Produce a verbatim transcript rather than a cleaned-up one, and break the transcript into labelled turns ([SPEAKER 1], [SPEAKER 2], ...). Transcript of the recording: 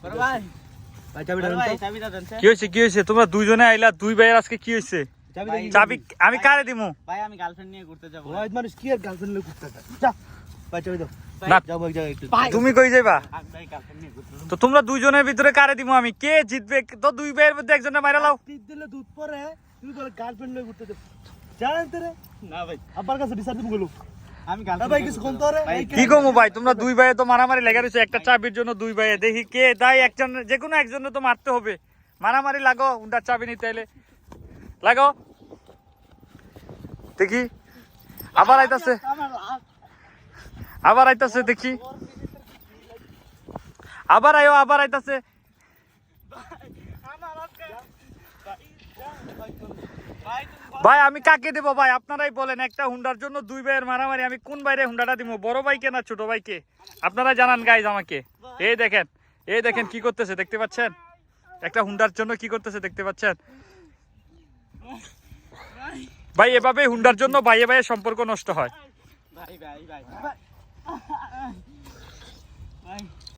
[SPEAKER 1] ভাই
[SPEAKER 2] ভাই চাবিটা দেন
[SPEAKER 1] ভাই
[SPEAKER 2] তো।
[SPEAKER 1] চাবিটা দেন
[SPEAKER 3] কি হয়েছে কি হয়েছে তোমরা দুইজনে আইলা দুই ভাইয়ের আজকে কি হয়েছে
[SPEAKER 2] চাবি
[SPEAKER 1] ভাই,
[SPEAKER 2] দেখি।
[SPEAKER 3] চাবি আমি কারে দিমু
[SPEAKER 1] ভাই আমি গার্লফ্রেন্ড নিয়ে ঘুরতে যাব
[SPEAKER 2] ওই মানুষ কি আর গার্লফ্রেন্ড লয়ে ঘুরতে যায়? যা ভাই চাবি দাও।
[SPEAKER 3] না
[SPEAKER 2] যাও এক জায়গায় একটু।
[SPEAKER 3] তুমি কই যাইবা
[SPEAKER 1] ভাই গার্লফ্রেন্ড নিয়ে ঘুরতে যাব
[SPEAKER 3] তো তোমরা দুইজনের ভিতরে কারে দিমু আমি কে জিতবে তো দুই ভাইয়ের মধ্যে একজনের মাইরা লাও
[SPEAKER 2] টিপ দিলে দুধ পরে তুমি বলে গার্লফ্রেন্ড লয়ে ঘুরতে যাও। জানেন তো রে
[SPEAKER 1] না ভাই
[SPEAKER 2] আব্বার কাছে বিচার দিব গেলো।
[SPEAKER 1] আমি
[SPEAKER 2] না
[SPEAKER 1] গার্লফ্রেন্ড
[SPEAKER 2] ভাই কিছু কোন তোরে
[SPEAKER 1] ভাই,
[SPEAKER 3] কি কমু ভাই তোমরা দুই ভাইয়ে তো মারামারি লেগে রয়েছে একটা চাবির জন্য দুই ভাইয়ে দেখি কে তাই একজন যে কোনো একজনে তো মারতে হবে মারামারি লাগো উন্ডার চাবি নিতে এলে লাগো দেখি আবার আইতাছে
[SPEAKER 1] আমার লাভ
[SPEAKER 3] আবার আইতাছে দেখি আবার আয়ো আবার আইতাছে
[SPEAKER 1] আমার আজকে ভাই তুমি
[SPEAKER 3] ভাই আমি কাকে দেবো ভাই আপনারাই বলেন একটা হুন্ডার জন্য দুই ভাইয়ের মারামারি আমি কোন বাইরে হুন্ডাটা দিব বড় ভাইকে না ছোট ভাইকে আপনারা জানান গাইজ আমাকে এই দেখেন এই দেখেন কি করতেছে দেখতে পাচ্ছেন একটা হুন্ডার জন্য কি করতেছে দেখতে পাচ্ছেন ভাই এভাবে হুন্ডার জন্য ভাইয়ে ভাইয়ের সম্পর্ক নষ্ট হয়
[SPEAKER 1] ভাই ভাই ভাই ভাই